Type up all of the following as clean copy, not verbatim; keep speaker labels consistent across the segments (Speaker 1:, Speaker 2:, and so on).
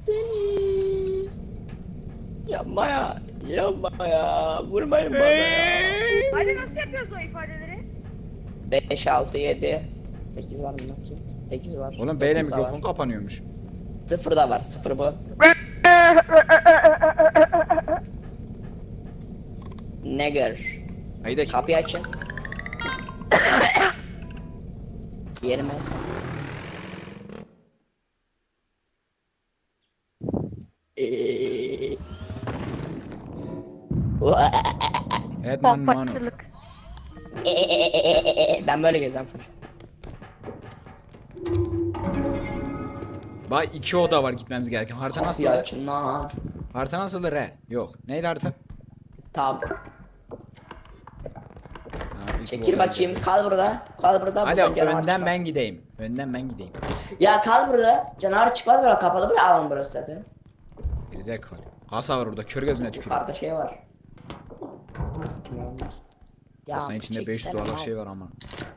Speaker 1: seni. Yapma ya. Yapma ya. Vurmayın bana ya.
Speaker 2: Hadi nasıl yapıyoruz o ifadeleri?
Speaker 1: 5, 6, 7. 8 var mı bakayım? 8 var.
Speaker 3: Oğlum beyle
Speaker 1: 9 da
Speaker 3: mikrofon
Speaker 1: var.
Speaker 3: kapanıyormuş.
Speaker 1: 0 da var. 0 bu. Nigger.
Speaker 3: Haydi
Speaker 1: Kapıyı açın. Yerime sen.
Speaker 3: Edman Manor.
Speaker 2: Pompacılık.
Speaker 1: Ben böyle gezen full.
Speaker 3: Bak 2 oda var gitmemiz gereken. Harita nasıl?
Speaker 1: Kapıyı açın lan.
Speaker 3: Harita nasıl? R. Yok. Neydi harita?
Speaker 1: Tab.
Speaker 3: Ha, ilk bu
Speaker 1: Çekil
Speaker 3: odaya
Speaker 1: bakayım.
Speaker 3: gideceğiz.
Speaker 1: Kal burada. Kal burada.
Speaker 3: Ali
Speaker 1: Buradan canavar
Speaker 3: önden ben
Speaker 1: çıkmaz.
Speaker 3: gideyim. Önden ben gideyim.
Speaker 1: Ya kal burada. Canavar çıkmaz böyle kapalı böyle alan burası zaten.
Speaker 3: Gerizekalı. Kasa var orada. Kör gözüne tükürüyor.
Speaker 1: Yukarıda şey var. Ya
Speaker 3: Kasanın içinde
Speaker 1: çek
Speaker 3: 500
Speaker 1: sen
Speaker 3: dolarlık
Speaker 1: al.
Speaker 3: şey var ama.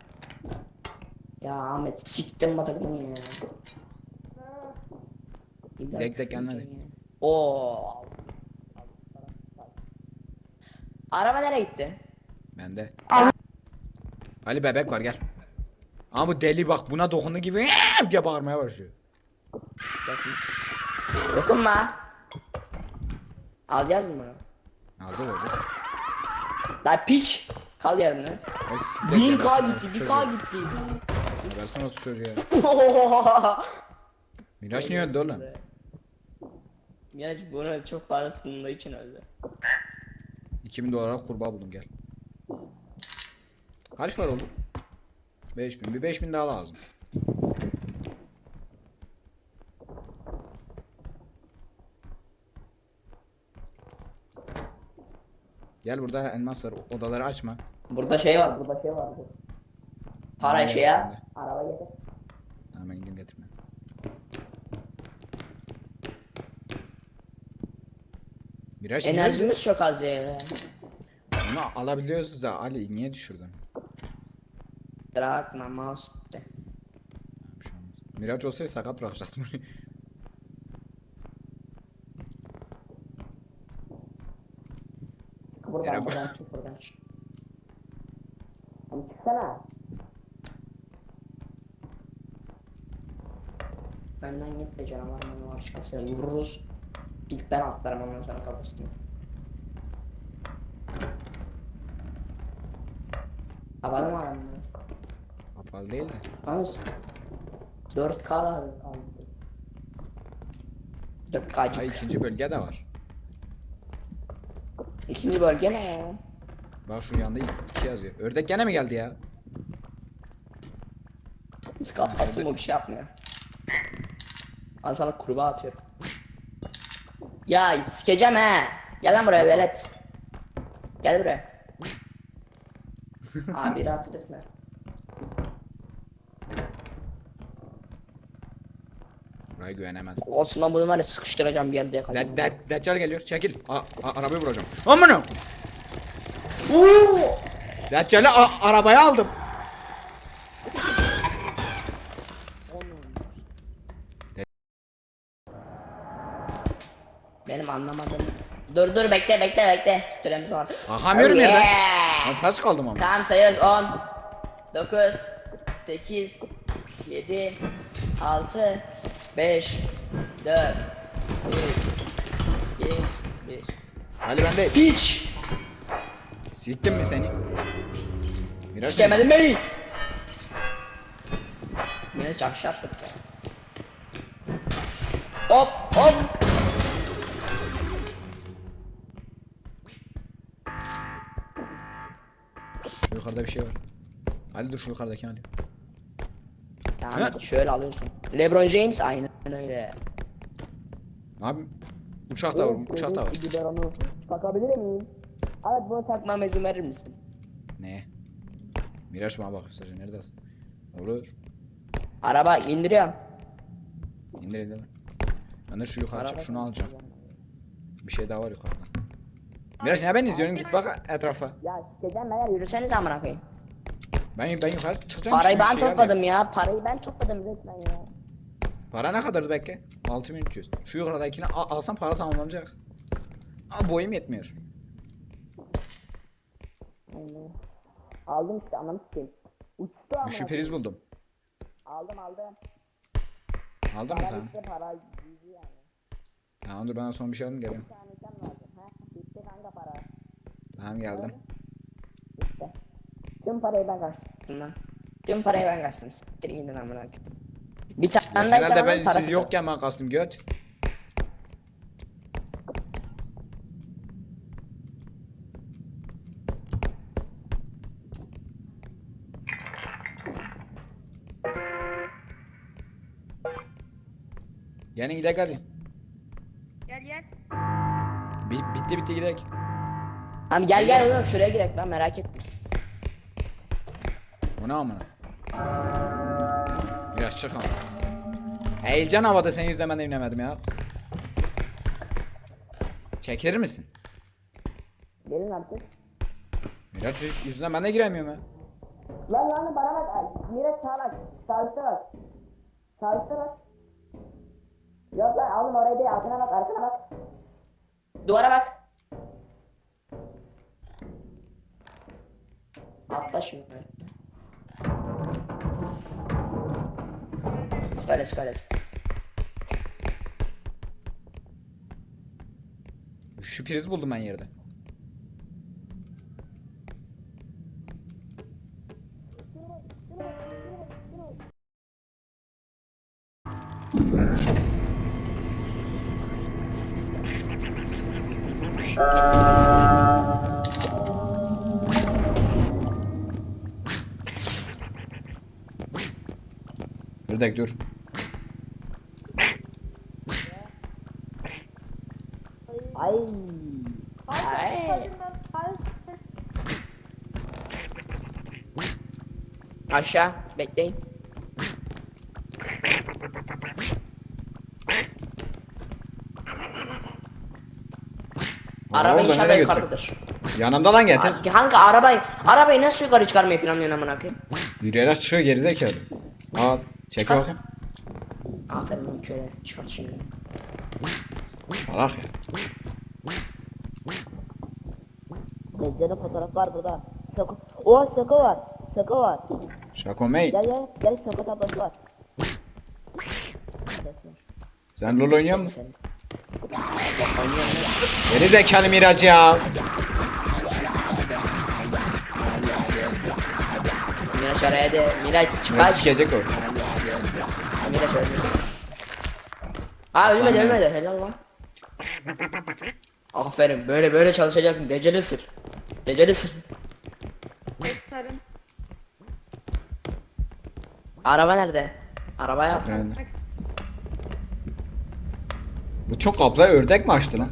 Speaker 3: Buraya güvenemedim.
Speaker 1: Olsun lan bunu var ya sıkıştıracağım bir yerde yakacağım.
Speaker 3: Deccal geliyor. Çekil. Arabayı vuracağım. Amına. Deccal'i arabaya aldım.
Speaker 1: Benim anlamadığım. Dur bekle. Süremiz var.
Speaker 3: Bakamıyorum yerden.
Speaker 1: Yeah.
Speaker 3: Ben ters kaldım ama.
Speaker 1: Tamam sayıyoruz 10 9 8 7 6 5 4 3 2 1
Speaker 3: Ali ben değil.
Speaker 1: Hiç
Speaker 3: Siktim mi seni? Biraz
Speaker 1: sikemedin beni. Yine çakşı attık ya. Hop.
Speaker 3: Şu yukarıda bir şey var. Ali dur şu yukarıdaki Ali.
Speaker 1: Yani şöyle alıyorsun. LeBron James aynen öyle.
Speaker 3: Abi uçak da var, uçak da var.
Speaker 1: Biberonu takabilir miyim? Evet bunu takmama izin verir misin?
Speaker 3: Ne? Miraç bana bak sadece neredesin? Olur.
Speaker 1: Araba indiriyorum.
Speaker 3: İndir. Ben de şu yukarı çık
Speaker 1: Araba
Speaker 3: şunu alacağım. Bir şey daha var yukarıda. Miraç ne ben izliyorum git bak etrafa.
Speaker 1: Ya sikeceğim beyler yürüseniz amına koyayım.
Speaker 3: Ben yukarı çıkacağım.
Speaker 1: Parayı
Speaker 3: şimdi
Speaker 1: ben
Speaker 3: şey
Speaker 1: topladım ya. Parayı ben topladım resmen ya.
Speaker 3: Para ne kadardı bekle? 6300. Şu yukarıdakini alsam para tamamlanacak. Ama boyum yetmiyor.
Speaker 1: Aynen. Aldım işte ananı sikeyim. Uçtu amına.
Speaker 3: Güçlü priz buldum.
Speaker 1: Aldım.
Speaker 3: Aldın mı
Speaker 1: Para
Speaker 3: tamam?
Speaker 1: bitti para gitti yani.
Speaker 3: Tamam dur ben son bir şey alayım geliyorum.
Speaker 1: Bir tane can lazım. Ha bitti kanka para.
Speaker 3: Tamam geldim.
Speaker 1: Bitti. Tüm parayı ben kaçtım lan. Tüm parayı ben kaçtım. Siktirin gidin amına koyayım. Bir tane daha
Speaker 3: Herhalde
Speaker 1: can
Speaker 3: ben
Speaker 1: alın para
Speaker 3: siz
Speaker 1: kısa.
Speaker 3: yokken ben kastım göt. Gelin gidelim hadi.
Speaker 2: Gel.
Speaker 3: Bitti gidelim.
Speaker 1: Tamam gel oğlum şuraya girek lan merak etme.
Speaker 3: Bu ne amına? Biraz çık ama. Heyecan havada senin yüzünden ben de inemedim ya. Çekilir misin?
Speaker 1: Gelin artık.
Speaker 3: Miraç çocuk yüzünden ben de giremiyorum ya.
Speaker 1: Lan bana bak. Ay, Miraç sağ bak. Sağ bak. Yok lan oğlum oraya değil arkana bak. Duvara bak. Atla şimdi. Söyle.
Speaker 3: Şu priz buldum ben yerde. Bir dakika dur.
Speaker 1: Ay. Aşağı bekleyin. Araba
Speaker 3: Oradan
Speaker 1: inşallah
Speaker 3: nereye
Speaker 1: yukarıdadır.
Speaker 3: Yanımda lan getir.
Speaker 1: Kanka arabayı nasıl yukarı çıkarmayı planlıyorsun amına koyayım?
Speaker 3: Yürüyerek çıkıyor gerizekalı. Al. Çek
Speaker 1: Çıkar.
Speaker 3: bakayım.
Speaker 1: Aferin lan köle çıkart şimdi.
Speaker 3: Salak ya.
Speaker 4: Mezcanın fotoğrafı var burada. Şaka. Oha şaka var. Şaka var.
Speaker 3: Şako mate.
Speaker 4: Gel şaka tablası var.
Speaker 3: Sen LoL oynuyor musun?
Speaker 1: Sen.
Speaker 3: Gerizekalı Miraç ya.
Speaker 1: Miraç araya de Miraç
Speaker 3: Miraç
Speaker 1: çıkar.
Speaker 3: sikecek o.
Speaker 1: Miraç öldü. Aa ölmedi helal lan. Aferin böyle çalışacaksın deceli sır.
Speaker 2: Gösterin.
Speaker 1: Araba nerede? Araba yap.
Speaker 3: Yani. Bu çok abla ördek mi açtı lan?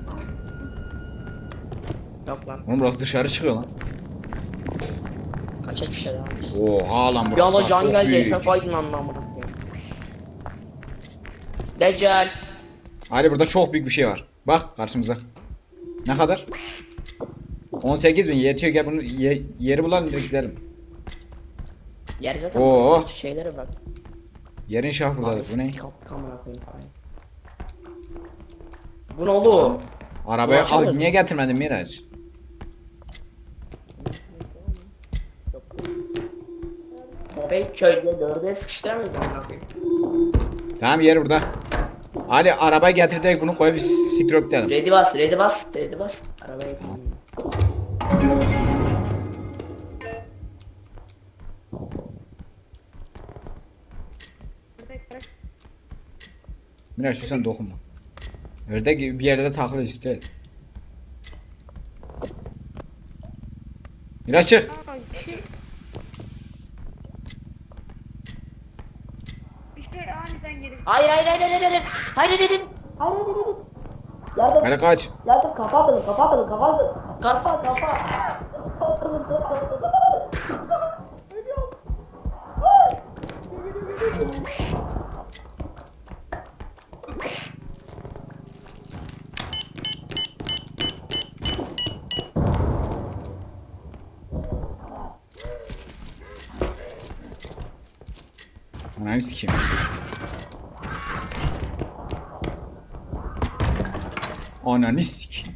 Speaker 1: Yok lan.
Speaker 3: Oğlum burası dışarı çıkıyor lan.
Speaker 1: Kaçak işte daha.
Speaker 3: Oha lan
Speaker 1: Bir
Speaker 3: burası
Speaker 1: anda
Speaker 3: daha
Speaker 1: can
Speaker 3: çok
Speaker 1: geldi
Speaker 3: büyük.
Speaker 1: etrafa aydınlandı amına koyayım. Deccal.
Speaker 3: Hadi burada çok büyük bir şey var. Bak karşımıza. Ne kadar? 18.000 yetiyor gel bunu yeri bulalım direkt gidelim.
Speaker 1: Yer zaten
Speaker 3: Oo.
Speaker 1: şeylere bak.
Speaker 3: Yerin şah buradadır. Bu ne?
Speaker 1: Amına koyayım falan. Bu ne oğlum?
Speaker 3: Arabayı al
Speaker 1: Ulaşamıyoruz
Speaker 3: niye
Speaker 1: mu?
Speaker 3: getirmedin Miraç?
Speaker 1: Köpek köyde dörde sıkıştıramayız amına koyayım.
Speaker 3: Tamam yer burada. Hadi arabayı getir direkt bunu koyup siktir gidelim.
Speaker 1: Ready bas. Arabaya koyayım.
Speaker 2: Bırak.
Speaker 3: Miraç sen dokunma. Ördek bir yerde de takılır işte. Miraç çık.
Speaker 2: Aa, bir şey aniden gelip
Speaker 1: Hayır.
Speaker 3: Hadi kaç.
Speaker 4: Yardım kapatın.
Speaker 1: Kapa.
Speaker 3: Ananı sikeyim. Ananı sikeyim.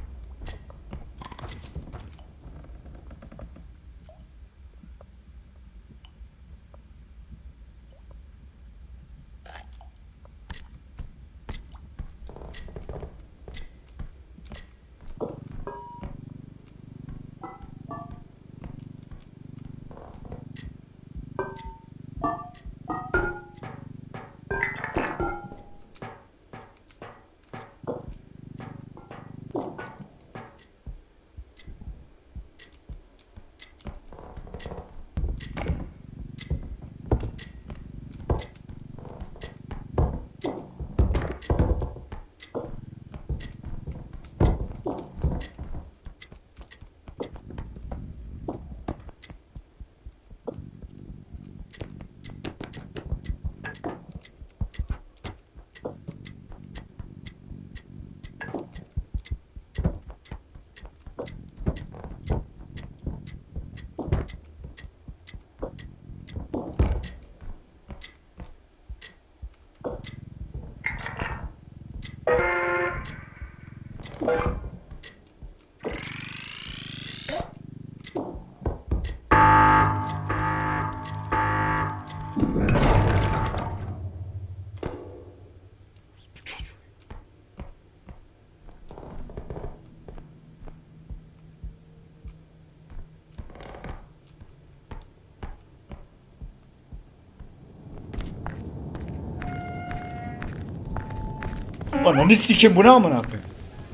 Speaker 3: Ananı sikeyim, bu ne amına koyayım?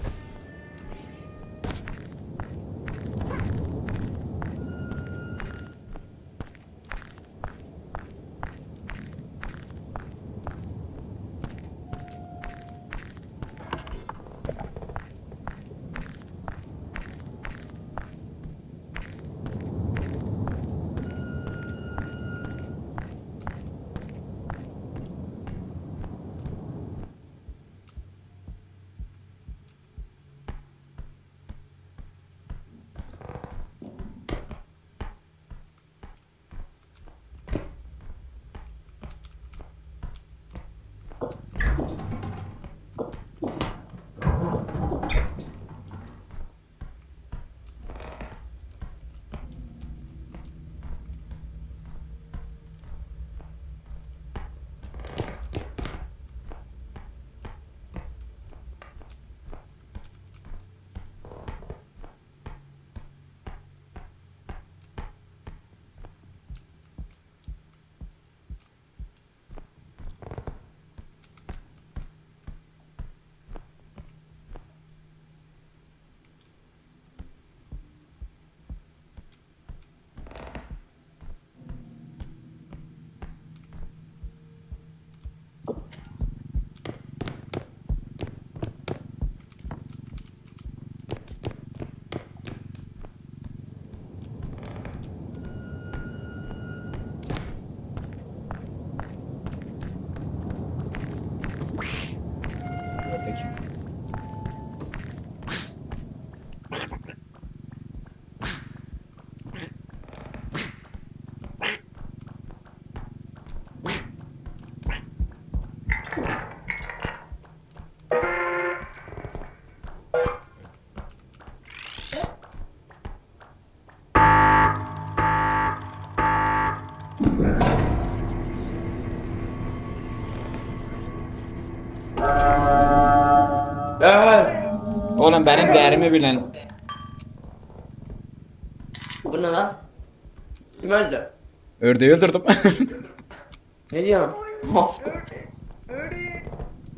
Speaker 3: Peki. Oğlum benim değerimi bilen.
Speaker 5: Bu ne lan? Kim öldü?
Speaker 3: Ördeği öldürdüm.
Speaker 5: Ne diyorsun?
Speaker 2: Öyle.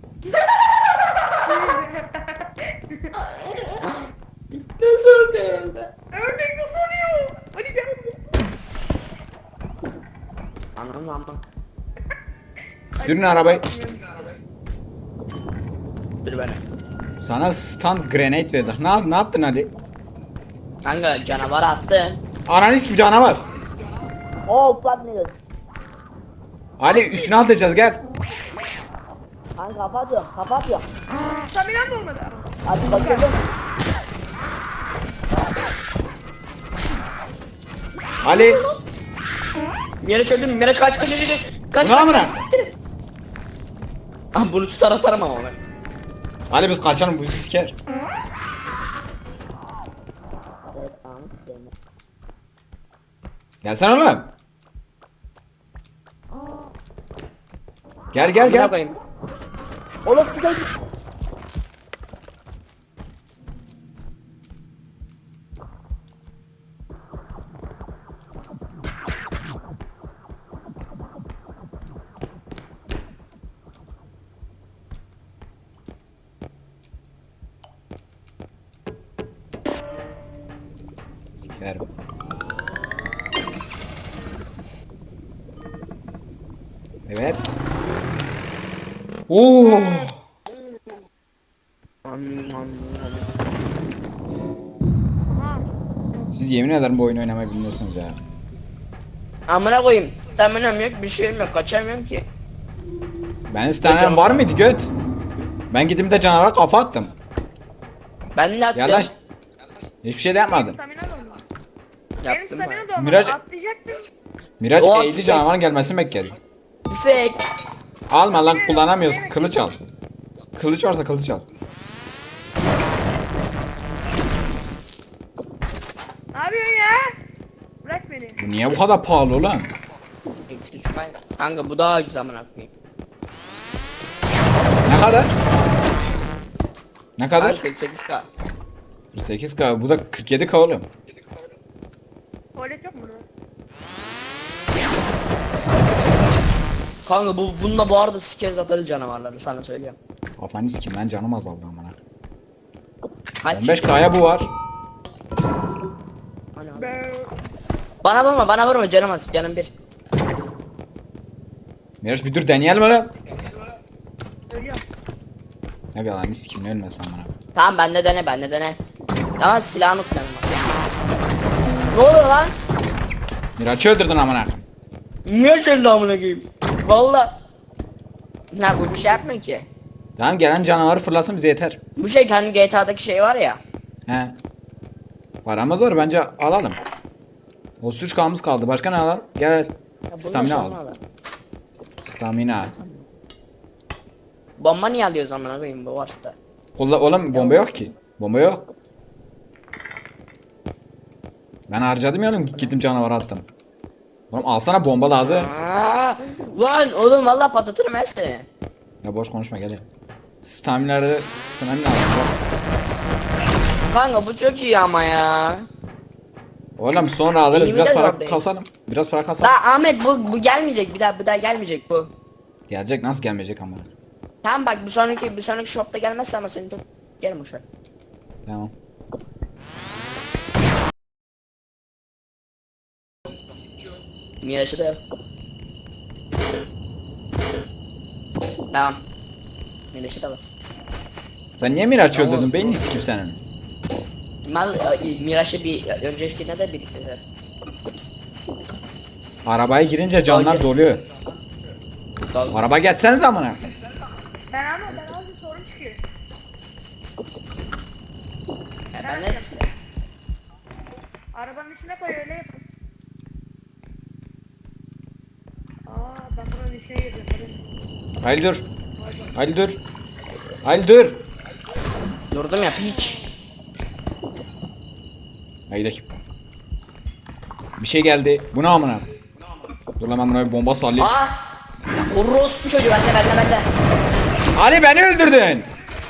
Speaker 5: Nasıl öldü?
Speaker 2: Ördek nasıl oluyor? Hadi gel.
Speaker 5: Anam.
Speaker 3: Sürün arabayı.
Speaker 5: Dur beni.
Speaker 3: Sana stand grenade verdik. Ne yaptın hadi?
Speaker 5: Kanka canavar attı.
Speaker 3: Ananı gibi canavar.
Speaker 4: Oh platmıyor.
Speaker 3: Ali üstüne atacağız gel.
Speaker 4: Kanka kapatıyorum kapatıyorum.
Speaker 2: Staminam da olmadı.
Speaker 4: Hadi bakalım.
Speaker 3: Ali.
Speaker 5: Miraç öldü mü? Miraç kaç. Kaç
Speaker 3: Ulan bırak.
Speaker 5: siktir. Ah bunu tutar atarım ama ben.
Speaker 3: Hadi biz kaçalım, bu bizi siker.
Speaker 4: Evet Ahmet Bey.
Speaker 3: Gelsene oğlum. Gel gel
Speaker 5: Amına
Speaker 3: gel.
Speaker 5: koyayım.
Speaker 4: Oğlum güzel.
Speaker 3: Sikerim. Evet. Oo. Siz yemin ederim bu oyunu oynamayı bilmiyorsunuz ya.
Speaker 5: Amına koyayım. Tahminim yok, bir şeyim yok, kaçamıyorum ki.
Speaker 3: Ben isteyen var mıydı göt? Ben gidip de canavara kafa attım.
Speaker 5: Ben ne yaptım?
Speaker 3: Yalan. Hiçbir şey de yapmadım.
Speaker 2: Stamina da olmadı. Benim
Speaker 5: Yaptım
Speaker 2: stamina
Speaker 5: ben.
Speaker 2: da olmadı.
Speaker 3: Miraç-
Speaker 2: Atlayacaktım.
Speaker 3: Miraç
Speaker 5: O
Speaker 3: eğildi,
Speaker 5: tüfek-
Speaker 3: canavarın gelmesini bekledi.
Speaker 5: Tüfek.
Speaker 3: Alma lan, kullanamıyoruz. Kılıç al. Kılıç varsa kılıç al.
Speaker 2: Ne yapıyorsun ya? Bırak beni.
Speaker 3: Bu niye bu kadar pahalı ulan?
Speaker 5: Eksi şu kaynak. Kanka bu daha güzel amına koyayım.
Speaker 3: Ne kadar? Ne kadar?
Speaker 5: Kanka 48k.
Speaker 3: 48K, bu da 47K oğlum.
Speaker 2: Tuvalet yok mu burada?
Speaker 5: Kanka bununla bu arada sikeriz atarız canavarları sana söylüyorum.
Speaker 3: Kafanı sikim lan, canım azaldı amına.
Speaker 5: Kaç?
Speaker 3: 15K'ya bu var.
Speaker 5: Ana.
Speaker 2: Ben...
Speaker 5: Bana vurma canım az canım bir.
Speaker 3: Miraç bir dur, deneyelim oğlum.
Speaker 2: Ölüyorum.
Speaker 3: Ne bir yalan sikim, ölme sen bana.
Speaker 5: Tamam bende dene. Tamam silahını unutmayalım bak. Ne oluyor lan?
Speaker 3: Miraç'ı öldürdün amına.
Speaker 5: Niye şöyle amına koyayım? Valla. Ne bu bir şey yapmıyor ki.
Speaker 3: Tamam, gelen canavarı fırlasın bize yeter.
Speaker 5: Bu şey hani GTA'daki şey var ya.
Speaker 3: He. Paramız var, bence alalım. O 3K'mız kaldı. Başka ne alalım? Gel.
Speaker 5: Ya bunu
Speaker 3: Stamina
Speaker 5: nasıl
Speaker 3: al.
Speaker 5: almalı?
Speaker 3: Stamina.
Speaker 5: Bomba niye alıyoruz amına koyayım bu varsa?
Speaker 3: Oğlum bomba yok ki. Bomba yok. Ben harcadım ya oğlum, gittim canavara attım. Oğlum alsana, bomba lazım.
Speaker 5: Lan oğlum valla patlatırım ben seni.
Speaker 3: Ya boş konuşma, gel ya. Staminaları stamina alalım.
Speaker 5: Kanka bu çok iyi ama ya.
Speaker 3: Oğlum sonra alırız,
Speaker 5: İyi
Speaker 3: biraz
Speaker 5: mi de
Speaker 3: para
Speaker 5: oradayım?
Speaker 3: kasalım. Biraz para kasalım.
Speaker 5: Da Ahmet bu gelmeyecek bir daha gelmeyecek bu.
Speaker 3: Gelecek, nasıl gelmeyecek ama.
Speaker 5: Tamam bak bir sonraki shopta gelmezse ama seni çok gelin boşver.
Speaker 3: Tamam.
Speaker 5: Miraç'ı da yok. Tamam. Miraç'ı da bas.
Speaker 3: Sen niye Miraç'ı
Speaker 5: Tamam.
Speaker 3: öldürdün? Beynini sikim senin.
Speaker 5: Miraç'ı bir öncekine de birlikte.
Speaker 3: Arabaya girince canlar
Speaker 5: Hayır.
Speaker 3: doluyor. Araba geçseniz amına.
Speaker 2: Ben az bir sorun çıkıyor.
Speaker 5: Ben ne?
Speaker 2: Arabanın içine koy öyle yapın. Ben buranın içine girdim.
Speaker 3: Haydi dur. Haydi dur. Haydi dur.
Speaker 5: Durdum ya piç.
Speaker 3: Haydi. Bir şey geldi. Bu ne amına? Dur lan, ben buna bir bomba sallayayım.
Speaker 5: Aa! Orospu çocuğu bende.
Speaker 3: Ali, beni öldürdün.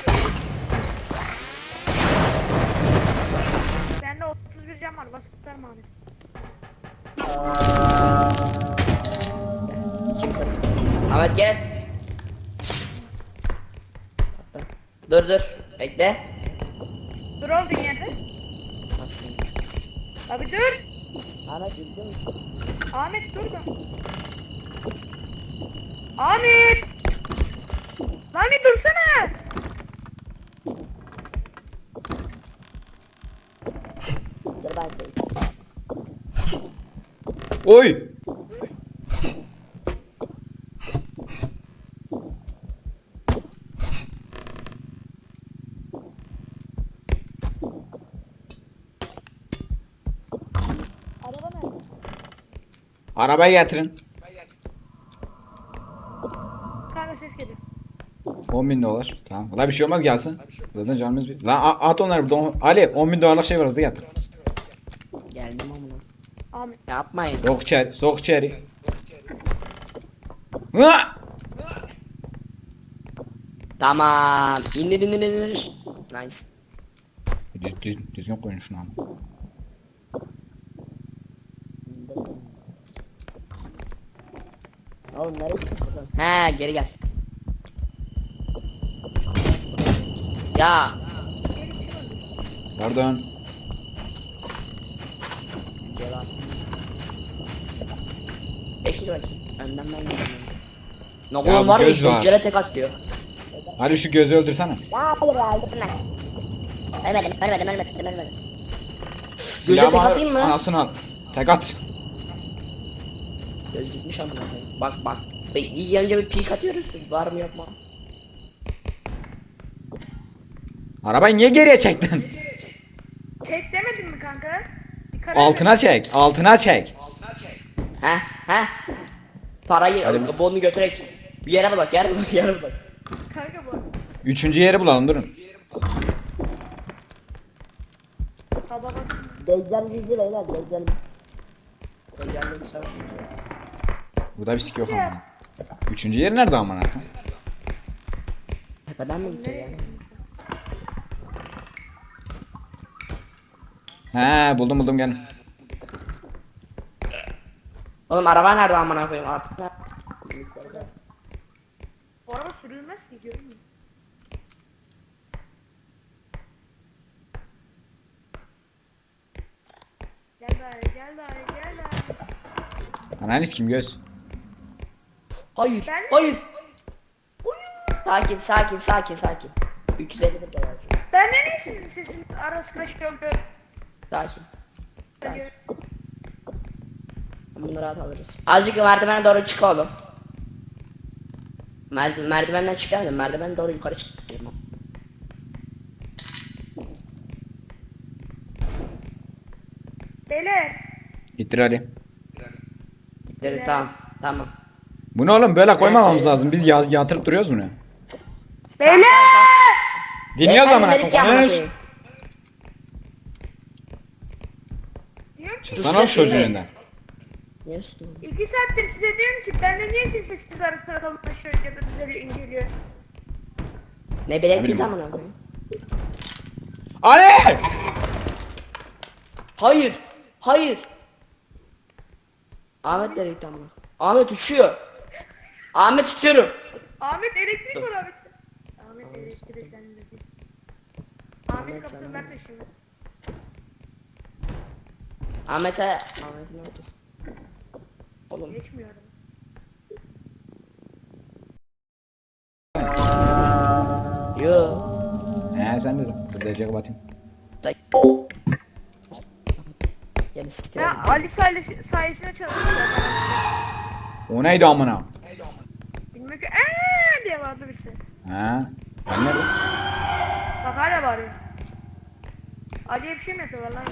Speaker 2: Bende 31 cam var. Bas kurtarma Ahmet.
Speaker 5: Kimsin? Ahmet gel. Dur. Bekle.
Speaker 2: Dur olduğun yerde.
Speaker 5: Nasıl?
Speaker 2: Abi dur.
Speaker 4: Ahmet üzgün müsün?
Speaker 2: Ahmet dur da. Ahmet. Lan bir dursana.
Speaker 4: Dur ben söyleyeyim.
Speaker 3: Oy.
Speaker 2: Araba nerede?
Speaker 3: Arabayı getirin.
Speaker 2: Kanka ses geliyor.
Speaker 3: 10.000 dolar. Tamam. Valla bir şey olmaz gelsin. Zaten canımız bir. Lan at onları burada. Ali 10.000 dolarlık şey var hızlı getir.
Speaker 5: Geldim amına.
Speaker 2: Ahmet.
Speaker 5: Yapmayın.
Speaker 3: Sok içeri. Sok içeri. Hı!
Speaker 5: Tamam. İndir. Nice.
Speaker 3: Düzgün koyun şunu ama.
Speaker 4: Oğlum nereye gidiyorsun buradan?
Speaker 5: He geri gel. Ya.
Speaker 3: Pardon.
Speaker 5: Bekle bak. Önden ben gidiyorum. Ne
Speaker 3: Ya
Speaker 5: oğlum
Speaker 3: bu
Speaker 5: var ya
Speaker 3: göz var.
Speaker 5: pencere tek atıyor.
Speaker 3: Ali şu gözü öldürsene.
Speaker 4: Ya hayır ya öldürdüm ben. Ölmedim.
Speaker 5: Göze tek
Speaker 3: Silahımı
Speaker 5: atayım mı?
Speaker 3: Anasını al. Tek at.
Speaker 5: Göz gitmiş amına koyayım. Bak. Yanınca bir peek atıyoruz. Var mı yok mu?
Speaker 3: Arabayı niye geriye çektin?
Speaker 2: Çek demedin mi kanka? Bir karar
Speaker 3: Altına çek. Altına çek.
Speaker 5: He. Parayı
Speaker 3: Hadi.
Speaker 5: bonu götürek. Bir yere bak. Yere bak.
Speaker 2: ver. Kanka bu.
Speaker 3: Üçüncü yeri bulalım durun.
Speaker 2: Baba bak.
Speaker 4: Deccal bizi beyler Deccal.
Speaker 3: Burada bir sik yok ama. Üçüncü yer nerede amına?
Speaker 5: Tepeden mi gitti yani?
Speaker 3: He buldum gel.
Speaker 5: Oğlum araba nerede amına koyayım?
Speaker 2: O araba sürülmez ki görün mü? Gel daha.
Speaker 3: Analiz kim göz?
Speaker 5: Hayır.
Speaker 2: Ben-
Speaker 5: Hayır. Sakin. 351 dolar.
Speaker 2: Ben de niye sizin sesin arasında şey oldu?
Speaker 5: Sakin. Bunları rahat alırız. Azıcık merdivene doğru çık oğlum. Merdivenden çıkamadım. Merdivene doğru yukarı çık.
Speaker 2: Beyler.
Speaker 3: İttir Ali.
Speaker 5: Dedi tamam.
Speaker 3: Bu ne oğlum böyle koymamamız
Speaker 5: Neyse.
Speaker 3: lazım. Biz yatırıp duruyoruz bunu.
Speaker 2: Beyler.
Speaker 3: Dinliyoruz
Speaker 5: Ben
Speaker 3: amına
Speaker 5: dedik ya amına
Speaker 3: koyayım.
Speaker 5: koyayım.
Speaker 2: Diyorum ki
Speaker 3: Çıksana oğlum çocuğun
Speaker 5: Üstüne-
Speaker 3: önünden.
Speaker 5: Niye üstüne?
Speaker 2: 2 saattir size diyorum ki bende niye sizin sesiniz arasında kalınlaşıyor ya da düzeliyor inceliyor.
Speaker 5: Ne bilek
Speaker 3: bileyim
Speaker 5: biz
Speaker 3: ben.
Speaker 5: amına koyayım.
Speaker 3: Ali!
Speaker 5: Hayır. Ahmet nereye gitti amına? Ahmet uçuyor. Ahmet tutuyorum.
Speaker 2: Ahmet elektrik var Ahmet. Ahmet elektrik sen de. Ahmet
Speaker 5: Ahmet
Speaker 2: kapısını
Speaker 5: sana.
Speaker 2: ben de şimdi.
Speaker 5: Ahmet'e ne yapacağız? Oğlum.
Speaker 2: Geçmiyorum.
Speaker 5: Yo.
Speaker 3: He sen de dur. Dur DC kapatayım.
Speaker 5: Yani site.
Speaker 2: Ha Ali sayesinde çalışıyor zaten.
Speaker 3: O neydi amına?
Speaker 2: Bilmiyorum ki diye vardı işte.
Speaker 3: He. Ben nerede?
Speaker 2: Bak hala bağırıyor. Ali'ye bir şey mi yapıyorlar lan?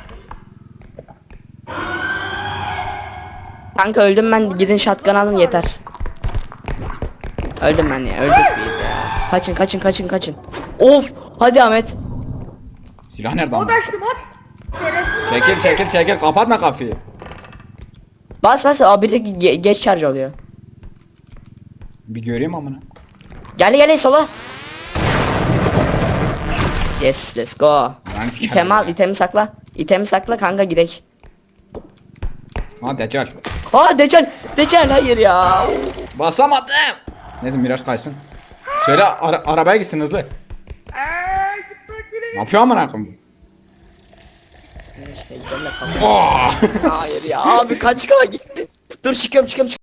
Speaker 5: Kanka öldüm ben, gidin shotgun alın yeter. Öldüm ben ya, öldük biz ya. Kaçın. Of, hadi Ahmet.
Speaker 3: Silah nerede
Speaker 2: O
Speaker 3: amına?
Speaker 2: da açtım hop. Şerefsiz.
Speaker 3: Çekil kapatma kapıyı.
Speaker 5: Bas o bir tek geç charge oluyor.
Speaker 3: Bir göreyim amına.
Speaker 5: Gel sola. Yes, let's go.
Speaker 3: Yani siker.
Speaker 5: İtemi al, itemi sakla kanka, gidek.
Speaker 3: Ha Deccal.
Speaker 5: Ha Deccal hayır ya.
Speaker 3: Basamadım. Neyse Miraç kaçsın. Söyle arabaya gitsin hızlı.
Speaker 2: Gitmek bile.
Speaker 3: Ne yapıyor amına koyayım?
Speaker 5: İşte Deccal'le kapat.
Speaker 3: Oh!
Speaker 5: Hayır ya abi, kaç gitti. Dur çıkıyorum.